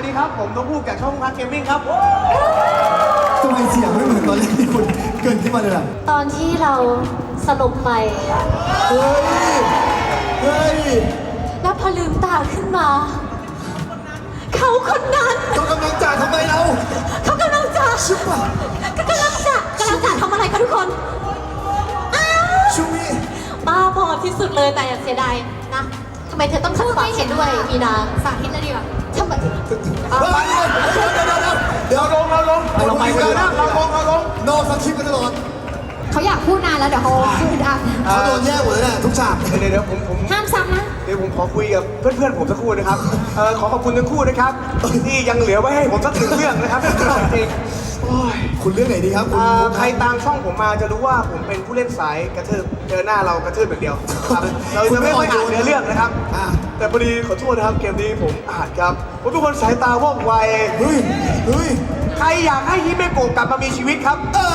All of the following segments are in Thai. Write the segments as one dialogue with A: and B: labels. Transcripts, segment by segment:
A: วัสดีครับผมต้องพูดจากช่องพักเกมมิ่งครับ
B: ทำไมเสียงไม่เหมือนตอนแรกที่คุณเกินขึ้นมาเลยล่ะ
C: ตอนที่เราสลบไป
B: เฮ้ยเฮ้ย
C: แล้วพอลืมตาขึ้นมาเขาคนนั้น
B: เขากำลังจ่าทำไมเรา
C: เขากำลังจะ
B: ชุบป่ะ
C: กำลังจะทำอะไรคะทุกคน
B: ชุบนี่
C: บ้าพอที่สุดเลยแต่เสียดายนะทำไมเธอต้องขัดความเห็นด้วยมีนาสาธิตเลยดีกว่าทำไม
B: เดี๋ยวลงเราไปกันนะเราลงนอกสคริปต์กันตลอด
C: เขาอยากพูดนานแล้วเดี๋ยวเขาพูดอัน
B: เขาโดนแย่หมดเลยนะทุกฉาก
A: เดี๋ยวผม
C: ห้ามซ้ำนะ
A: เดี๋ยวผมขอคุยกับเพื่อนผมสักครู่นะครับขอขอบคุณทั้งคู่นะครับที่ยังเหลือไว้ให้ผมสัก1เรื่องนะครับจริง
B: คุณเรื่องไหนดีครับ
A: ใครตามช่องผมมาจะรู้ว่าผมเป็นผู้เล่นสายกระทืบเจอหน้าเรากระทืบอย่างเดียวครับเราจะไม่ค่อยอ่านเนื้อเรื่องนะครับแต่พอดีขอโทษนะครับเกมนี้ผมอ่านครับผมเป็นคนสายตาว่องไว
B: เฮ้ย
A: ใครอยากให้ฮิเมโกะกลับมามีชีวิตครับ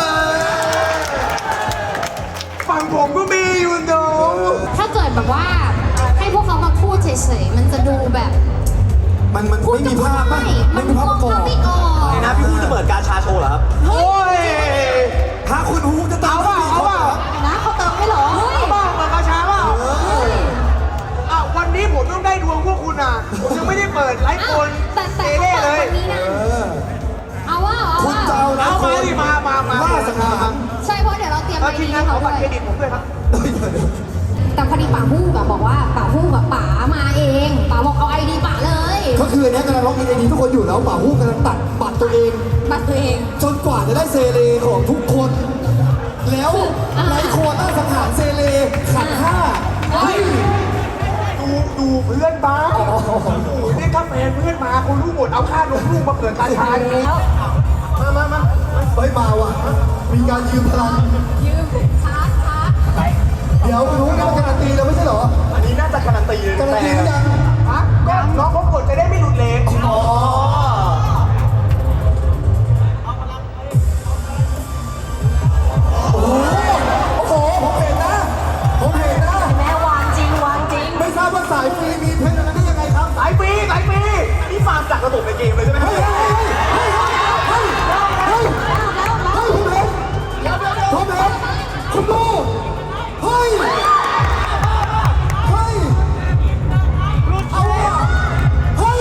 A: ฝั่งผมก็มีอยู่เนาะ
C: ถ้าเกิดแบบว่าให้พวกเขามาพูดเฉยๆมันจะดูแบบ
B: มันไม่มีภาพป่ะไม่มีภาพประกอบ
D: นะพี่ฮูจะเปิดการชาโชว์เหรอครับ
A: โอ้ย
B: ถ้าคุณฮูจะตาม
A: เอาว่า
C: นะเขาเติมให้หรอ
A: เอาบ้าเปิดกาชาเปล่าวันนี้ผมต้องได้ดวงพวกคุณอ่ะผมยังไม่ได้เปิดไลฟ์โอนเซเล่เลย
C: เอาว่า
B: คุณจะเอา
A: มาดิมา
B: ล่าสังหาร
C: ใช่เพราะเดี๋ยวเราเตรียม
A: ทีมงานขอบัตรเครดิตผมด้วยครับ
C: แต่พอดีป๋าฮู้กับบอกว่าป๋าฮู้กับป๋ามาเองป๋าบอกเอาไอดีป๋าเลย
B: ก็คือเนี้ยกำลังล็อกอินไอดีทุกคนอยู่แล้วป๋าฮู้กำลังตัดบัตรตัวเองจนกว่าจะได้เซเลของทุกคนแล้วไลโคต้าสังหารเซเลขัน5เฮ้ย
A: ดูเพื่อนบ้านี่กาแฟเพื่อนมาคนรู้หมดเอาค่านมลูกมาเปิดการชาแล้วมา
B: เฮ้ยมาว่ะมีการยืมพลัง
C: ช้า
B: เดี๋ยวรู้นะการันตีแล้วไม่ใช่เหรอ
A: อันนี้น่าจะการันตีเลย
B: การันตียัง
A: ก็น้องเขากดจะได้ไม่หลุดเลน
B: อ๋อโอ้โหผมเห็นนะ
C: แม่วางจริง
B: ไม่ทราบว่าสายฟรีมีเพชรอะไรได้ยังไงครับ
A: สายฟรีนี่ฟาร์มจากระบบในเกมเลยใช่ไหม
B: ผมเห็นคุณดูเฮ้ยเอาอ่ะเฮ้ย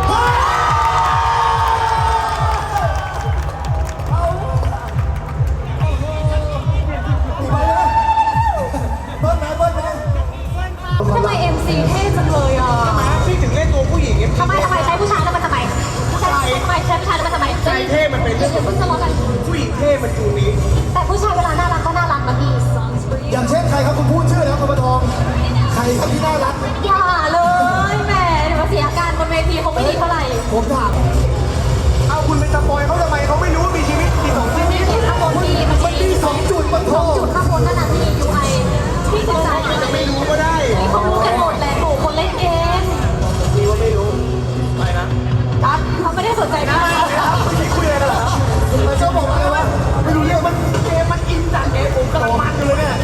B: เบิ้ลไหม
C: ทำไม MC เท่จังเลยอ่ะ
A: พี่ถึงเล่นตัวผู้หญิง
C: ทำไมใช้ผู้ชายแล้วมันทำไมใช้ผู้ชายแล้วมันทำไม
A: ใจเท่มันเป็นเรื่องของผู้หญิงเท่มันจูนี้
C: แต่ผู้ชายเวลาน่ารักก็น่ารักนะพี่
B: อย่างเช่นใครครับคุณพูดชื่อแล้วคุณประทองใครครับที่น่ารัก
C: อย่าเลยแหมเดี๋ยวเสียอาการบนเวทีคงไม่ดีเท่าไหร่
B: ผมถาม
A: เอาคุณไปสปอยเขาทำไมเขาไม่รู้ว่ามีชีวิตมี2ชีวิต
C: ข้างบนที่
B: มันมี2 จุดมันโท
C: ษ2 จุดข้างบนนั่นน่ะที่ UI ที่ศึกษา
A: จะไม่รู้ก็ได้
C: เขารู้กันหมดแหละโหคนเล่นเกม
A: มีว่าไม่รู้ไปนะ
C: จัดเขาไม่ได้สนใจนะ
A: คุยอะไรกันเหรอ
B: มันจะบอกอะไรวะไม่รู้เรื่องมัน
A: เกมมันอินจัดเกมผมกำลังมันอยู่เลยเนี่ย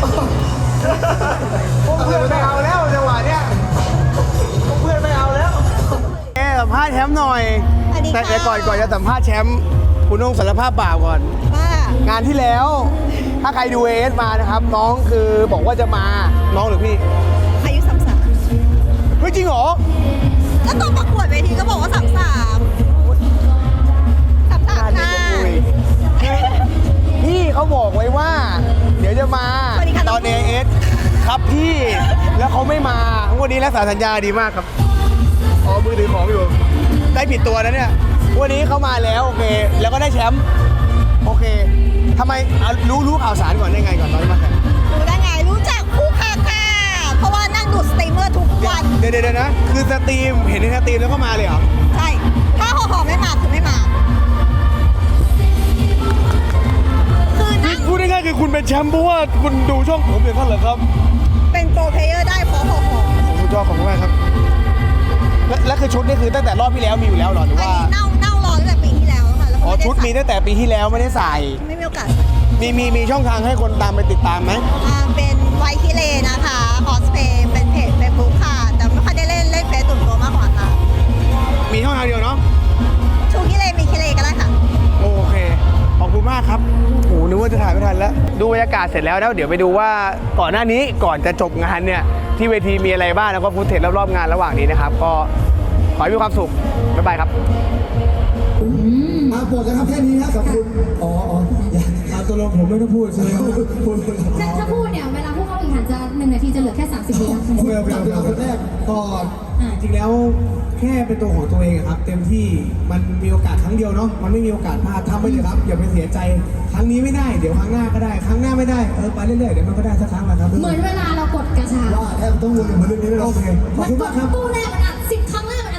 A: เพื่อนไม่เอาแล้วจังหวะเนี้ยเพื่อนไม่เอาแล้วสัมภาษณ์แชมป์หน่อยแต่ก่อนจะสัมภาษณ์แชมป์คุณต้องสารภาพบาปก่อนงานที่แล้วถ้าใครดูASมานะครับน้องคือบอกว่าจะมาน้องหรือพี่
E: อายุ33
A: เฮ้ยจริงเหรอ
E: แล้วตอนประกวดเวทีก็บอกว่า33ค่ะ
A: พี่เขาบอกไว้ว่าเดี๋ยวจะมาตอนASครับพี่แล้วเขาไม่มาวันนี้รักษาสัญญาดีมากครับอ๋อมือถือของอยู่ได้ผิดตัวนะเนี่ยวันนี้เขามาแล้วโอเคแล้วก็ได้แชมป์โอเคทำไมรู้ข่าวสารก่อนได้ไงก่อนตอนที่มาแข่ง
E: รู้ได้ไงรู้จักคู่ค่ะเพราะว่านั่งดูสตรีมเมอร์ทุกวัน
A: เดี๋ยวนะคือสตรีมเห็นในสตรีมแล้วก็มาเลยเหรอ
E: ใช่ถ้าห่อไม่มาคือไม่มา
A: คือนั่งพูดง่ายๆคือคุณเป็นแชมป์เพราะว่าคุณดูช่องผมอย่างนั้นเหรอครับ
E: เป็นโปรเพลเยอร์ได้เพราะห่อ
A: สุดยอดของมากครับและคือชุดนี่คือตั้งแต่รอบที่แล้วมีอยู่แล้วหรอหรือว่า
E: เน่ารอตั้งแต่ปีที่แล้วค่ะ
A: อ๋อชุดมีตั้งแต่ปีที่แล้วไม่ได้ใส่
E: ไม่มีโอกาส
A: มีช่องทางให้คนตามไปติดตามไหม
E: เป็นไวคิเลนะคะคอสเพย์เป็นเพจเฟซบุ๊กค่ะแต่ไม่ค่อยได้เล่นเฟซตุ่มตัวมากกว่าค่ะ
A: มีช่องทางเดียวเนาะดูบรรยากาศเสร็จแล้วเดี๋ยวไปดูว่าก่อนหน้านี้ก่อนจะจบงานเนี่ยที่เวทีมีอะไรบ้างแล้วก็ฟุตเทจรอบๆงานระหว่างนี้นะครับก็ขอให้มีความสุขบ๊ายบายครับ
B: มาหมดแล้วครับแค่นี้ครับขอบคุณอ๋ออย่าตัวลงผมไม่ต้องพูดใช่ไหมพูด
F: ถ้าพูดเนี่ยเวลาผู้เข้าแข่งขันจะ1 นาทีจะเหลือแค่30 วินะ
B: เอาคนแรก
G: ก็จริงๆแล้วแค่เป็นตัวของตัวเองอะครับ เต็มที่มันมีโอกาสครั้งเดียวเนาะมันไม่มีโอกาสพลาดทำไปเลยครับอย่าไปเสียใจครั้งนี้ไม่ได้เดี๋ยวครั้งหน้าก็ได้ครั้งหน้าไม่ได้ไปเรื่อยๆเดี๋ยวมันก็ได้สักครั้งแหละครับ
F: เหมือนเวลาเรากดกระชา
B: ว่าแทบต้องวนกับเรื่องนี้ไม่ได้
G: โอเคขอบคุณมากครับ
F: ตู้แรกมันอัด10 ครั้งแรกมัน